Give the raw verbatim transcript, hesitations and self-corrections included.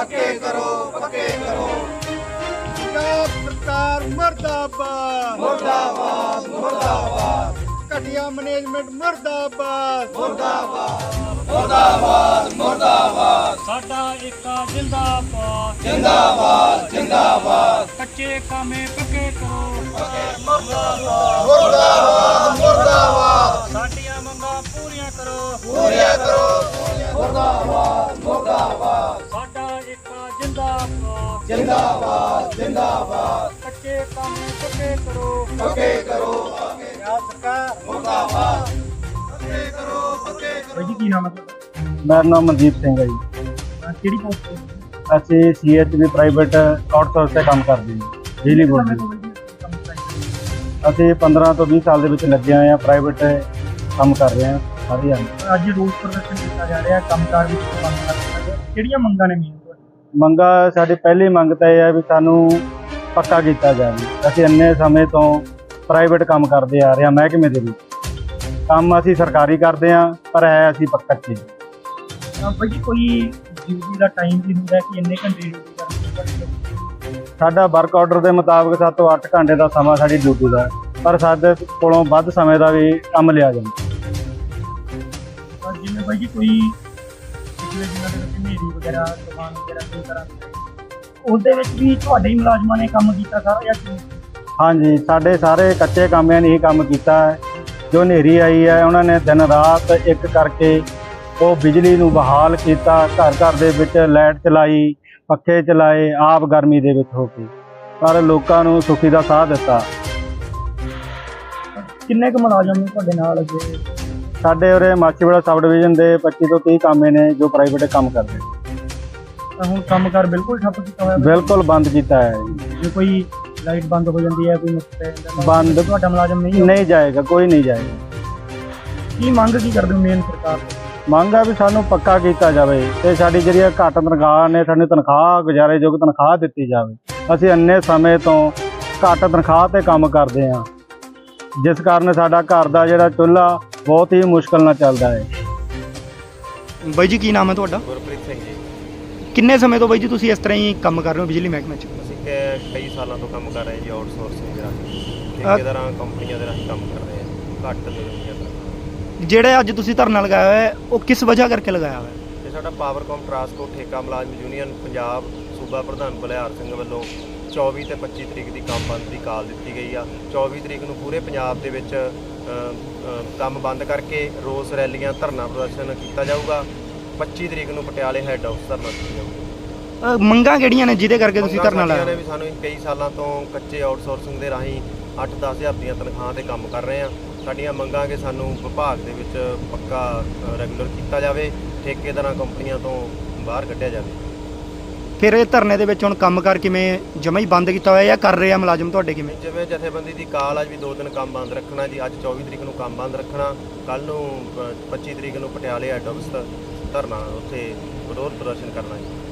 पक्के करो पक्के करो। पंजाब सरकार मुर्दाबाद मुर्दाबाद मुर्दाबाद घटिया मैनेजमेंट मुर्दाबाद मुर्दाबाद मुर्दाबाद मुर्दाबाद। साडा एका जिंदाबाद जिंदाबाद जिंदाबाद कच्चे कामे पक्के करो मुर्दाबाद मुर्दाबाद साडियां मंगां पूरियां करो पूरिया करो मुर्दाबाद मुर्दाबाद साडा एका जिंदाबाद जिंदाबाद जिंदाबाद कच्चे कामे पक्के करो पक्के करो पंजाब सरकार मुर्दाबाद पक्के करो पक्के करो। भाई जी की नाम है ਮੇਰਾ ਨਾਮ ਮਨਦੀਪ ਸਿੰਘ ਹੈ ਜੀ। ਕਿਹੜੀ ਪੋਸਟ ਤੇ ਅਸੀਂ C H V private outsource ਤੇ ਕੰਮ ਕਰਦੇ ਹਾਂ ਬਿਜਲੀ ਬੋਰਡ ਦੇ ਵਿੱਚ। ਅਸੀਂ ਪੰਦਰਾਂ ਤੋਂ ਵੀਹ ਸਾਲ ਦੇ ਵਿੱਚ ਲੱਗੇ ਹੋਏ ਹਾਂ, ਪ੍ਰਾਈਵੇਟ ਕੰਮ ਕਰ ਰਹੇ ਹਾਂ ਸਾਰੇ ਜਾਣੇ। ਅੱਜ ਰੋਸ ਪ੍ਰਦਰਸ਼ਨ ਕੀਤਾ ਜਾ ਰਿਹਾ ਕੰਮਕਾਰ ਵਿੱਚ ਬੰਦ ਕਰ ਦਿੱਤਾ ਗਿਆ, ਕਿਹੜੀਆਂ ਮੰਗਾਂ ਨੇ ਮੇਨ ਤੁਹਾਡੀ? ਮੰਗਾ ਸਾਡੀ ਪਹਿਲੀ ਮੰਗ ਤਾਂ ਇਹ ਹੈ ਵੀ ਸਾਨੂੰ ਪੱਕਾ ਕੀਤਾ ਜਾਵੇ। ਅਸੀਂ ਇੰਨੇ ਸਮੇਂ ਤੋਂ ਪ੍ਰਾਈਵੇਟ ਕੰਮ ਕਰਦੇ ਆ ਰਹੇ ਹਾਂ ਮਹਿਕਮੇ ਦੇ ਵਿੱਚ। ਕੰਮ ਅਸੀਂ ਸਰਕਾਰੀ ਕਰਦੇ ਹਾਂ ਪਰ ਹੈ ਅਸੀਂ ਪੱਕਾ ਚ। ਅਹ ਭਾਈ ਜੀ ਕੋਈ ਡਿਊਟੀ ਦਾ ਟਾਈਮ ਵੀ ਹੁੰਦਾ ਕਿ ਇੰਨੇ ਘੰਟੇ ਡਿਊਟੀ ਕਰਨੀ ਹੈ? ਸਾਡਾ ਵਰਕ ਆਰਡਰ ਦੇ ਮੁਤਾਬਕ ਸੱਤ ਤੋਂ ਅੱਠ ਘੰਟੇ ਦਾ ਸਮਾਂ ਸਾਡੀ ਡਿਊਟੀ ਦਾ, ਪਰ ਸਾਡੇ ਕੋਲੋਂ ਵੱਧ ਸਮੇਂ ਦਾ ਵੀ ਕੰਮ ਲਿਆ ਜਾਂਦਾ। ਅਹ ਜਿਵੇਂ ਭਾਈ ਜੀ ਕੋਈ ਪਿਛਲੇ ਦਿਨਾਂ ਦੇ ਵਿੱਚ ਹਨੇਰੀ ਵਗੈਰਾ ਤੂਫਾਨ ਵਗੈਰਾ ਕੋਈ ਤਰ੍ਹਾਂ ਉਹਦੇ ਵਿੱਚ ਵੀ ਤੁਹਾਡੇ ਹੀ ਮੁਲਾਜ਼ਮਾਂ ਨੇ ਕੰਮ ਕੀਤਾ ਸਾਰਾ ਜਾਂ ਕਿਵੇਂ? ਹਾਂਜੀ, ਸਾਡੇ ਸਾਰੇ ਕੱਚੇ ਕਾਮਿਆਂ ਨੇ ਇਹ ਕੰਮ ਕੀਤਾ ਹੈ। ਜੋ ਹਨੇਰੀ ਆਈ ਹੈ ਉਹਨਾਂ ਨੇ ਦਿਨ ਰਾਤ ਇੱਕ ਕਰਕੇ ਉਹ ਬਿਜਲੀ ਨੂੰ ਬਹਾਲ ਕੀਤਾ, ਘਰ ਘਰ ਦੇ ਵਿੱਚ ਲਾਈਟ ਚਲਾਈ, ਪੱਖੇ ਚਲਾਏ, ਆਪ ਗਰਮੀ ਦੇ ਵਿੱਚ ਹੋ ਕੇ, ਪਰ ਲੋਕਾਂ ਨੂੰ ਸੁਖੀ ਦਾ ਸਾਹ ਦਿੱਤਾ। ਕਿੰਨੇ ਕੁ ਮੁਲਾਜ਼ਮ ਨੇ ਤੁਹਾਡੇ ਨਾਲ ਲੱਗੇ? ਸਾਡੇ ਉਰੇ ਮਾਛੀਵਾੜਾ ਸਬ ਡਿਵੀਜ਼ਨ ਦੇ ਪੱਚੀ ਤੋਂ ਤੀਹ ਕਾਮੇ ਨੇ ਜੋ ਪ੍ਰਾਈਵੇਟ ਕੰਮ ਕਰਦੇ ਨੇ। ਤਾਂ ਹੁਣ ਕੰਮਕਾਰ ਬਿਲਕੁਲ ਠੱਪ ਕੀਤਾ ਹੋਇਆ? ਬਿਲਕੁਲ ਬੰਦ ਕੀਤਾ ਹੈ ਜੀ। ਜੇ ਕੋਈ ਲਾਈਟ ਬੰਦ ਹੋ ਜਾਂਦੀ ਹੈ, ਕੋਈ ਨੁਕਸ ਪੈ ਜਾਂਦਾ, ਬੰਦ ਤੁਹਾਡਾ ਮੁਲਾਜ਼ਮ ਨਹੀਂ ਨਹੀਂ ਜਾਏਗਾ, ਕੋਈ ਨਹੀਂ ਜਾਏਗਾ। ਕੀ ਮੰਗ ਕੀ ਕਰਦੇ ਹੋ ਮੇਨ ਸਰਕਾਰ ਤੋਂ? ਮੰਗ ਆ ਵੀ ਸਾਨੂੰ ਪੱਕਾ ਕੀਤਾ ਜਾਵੇ ਤੇ ਸਾਡੀ ਜਿਹੜੀ ਘੱਟ ਤਨਖਾਹ ਨੇ ਸਾਨੂੰ ਤਨਖਾਹ ਗੁਜ਼ਾਰੇਯੋਗ ਤਨਖਾਹ ਦਿੱਤੀ ਜਾਵੇ। ਅਸੀਂ ਇੰਨੇ ਸਮੇਂ ਤੋਂ ਘੱਟ ਤਨਖਾਹ ਤੇ ਕੰਮ ਕਰਦੇ ਹਾਂ, ਜਿਸ ਕਾਰਨ ਸਾਡਾ ਘਰ ਦਾ ਜਿਹੜਾ ਚੁੱਲ੍ਹਾ ਬਹੁਤ ਹੀ ਮੁਸ਼ਕਲ ਨਾਲ ਚੱਲਦਾ ਹੈ। ਬਾਈ ਜੀ ਕੀ ਨਾਮ ਹੈ ਤੁਹਾਡਾ? ਗੁਰਪ੍ਰੀਤ ਸਿੰਘ ਜੀ। ਕਿੰਨੇ ਸਮੇਂ ਤੋਂ ਬਾਈ ਜੀ ਤੁਸੀਂ ਇਸ ਤਰ੍ਹਾਂ ਹੀ ਕੰਮ ਕਰ ਰਹੇ ਹੋ ਬਿਜਲੀ ਮਹਿਕਮੇ 'ਚ? ਅਸੀਂ ਕ- ਕਈ ਸਾਲਾਂ ਤੋਂ ਕੰਮ ਕਰ ਰਹੇ ਜੀ, ਆਊਟਸੋਰਸਿੰਗ ਦੇ ਰਾਹੀਂ ਠੇਕੇਦਾਰਾਂ ਕੰਪਨੀਆਂ ਦੇ ਰਾਹੀਂ ਕੰਮ ਕਰ ਰਹੇ ਹਾਂ, ਘੱਟ ਮਿਲਦੀਆਂ ਤਨਖਾਹ। ਜਿਹੜੇ ਅੱਜ ਤੁਸੀਂ ਧਰਨਾ ਲਗਾਇਆ ਹੋਇਆ ਹੈ ਉਹ ਕਿਸ ਵਜ੍ਹਾ ਕਰਕੇ ਲਗਾਇਆ ਹੋਇਆ ਹੈ? ਇਹ ਸਾਡਾ ਪਾਵਰਕਾਮ ਟਰਾਂਸਪੋਰਟ ਠੇਕਾ ਮੁਲਾਜ਼ਮ ਯੂਨੀਅਨ ਪੰਜਾਬ ਸੂਬਾ ਪ੍ਰਧਾਨ ਬਲਿਹਾਰ ਸਿੰਘ ਵੱਲੋਂ ਚੌਵੀ ਤੇ ਪੱਚੀ ਤਰੀਕ ਦੀ ਕੰਮ ਬੰਦ ਦੀ ਕਾਲ ਦਿੱਤੀ ਗਈ ਆ। ਚੌਵੀ ਤਰੀਕ ਨੂੰ ਪੂਰੇ ਪੰਜਾਬ ਦੇ ਵਿੱਚ ਅ, ਅ, ਕੰਮ ਬੰਦ ਕਰਕੇ ਰੋਸ ਰੈਲੀਆਂ ਧਰਨਾ ਪ੍ਰਦਰਸ਼ਨ ਕੀਤਾ ਜਾਊਗਾ। ਪੱਚੀ ਤਰੀਕ ਨੂੰ ਪਟਿਆਲੇ ਹੈੱਡ ਆਫਿਸ ਧਰਨਾ ਦਿੱਤਾ ਜਾਊਗਾ। ਅਹ ਮੰਗਾਂ ਕਿਹੜੀਆਂ ਨੇ ਜਿਹਦੇ ਕਰਕੇ ਤੁਸੀਂ ਮੰਗਾਂ ਧਰਨਾ ਸਾਡੀਆਂ ਲਾਇਆ? ਨੇ ਵੀ ਸਾਨੂੰ ਕਈ ਸਾਲਾਂ ਤੋਂ ਕੱਚੇ ਆਊਟਸੋਰਸਿੰਗ ਦੇ ਰਾਹੀਂ ਅੱਠ ਦਸ ਹਜ਼ਾਰ ਦੀਆਂ ਤਨਖਾਹਾਂ ਤੇ ਕੰਮ ਕਰ ਰਹੇ ਹਾਂ। ਸਾਡੀਆਂ ਮੰਗਾਂ ਕਿ ਸਾਨੂੰ ਵਿਭਾਗ ਦੇ ਵਿੱਚ ਪੱਕਾ ਰੈਗੂਲਰ ਕੀਤਾ ਜਾਵੇ, ਠੇਕੇਦਾਰਾਂ ਕੰਪਨੀਆਂ ਤੋਂ ਬਾਹਰ ਕੱਢਿਆ ਜਾਵੇ। ਫਿਰ ਇਹ ਧਰਨੇ ਦੇ ਵਿੱਚ ਹੁਣ ਕੰਮਕਾਰ ਕਿਵੇਂ ਜਮਾ ਹੀ ਬੰਦ ਕੀਤਾ ਹੋਇਆ ਜਾਂ ਕਰ ਰਹੇ ਆ ਮੁਲਾਜ਼ਮ ਤੁਹਾਡੇ ਕਿਵੇਂ? ਜਿਵੇਂ ਜਥੇਬੰਦੀ ਦੀ ਕਾਲ ਅੱਜ ਵੀ ਦੋ ਦਿਨ ਕੰਮ ਬੰਦ ਰੱਖਣਾ ਜੀ। ਅੱਜ ਚੌਵੀ ਤਰੀਕ ਨੂੰ ਕੰਮ ਬੰਦ ਰੱਖਣਾ, ਕੱਲ੍ਹ ਨੂੰ ਪੱਚੀ ਤਰੀਕ ਨੂੰ ਪਟਿਆਲੇ ਹੈੱਡ ਆਫਿਸ ਧਰਨਾ ਉੱਥੇ ਵਿਰੋਧ ਪ੍ਰਦਰਸ਼ਨ ਕਰਨਾ ਜੀ।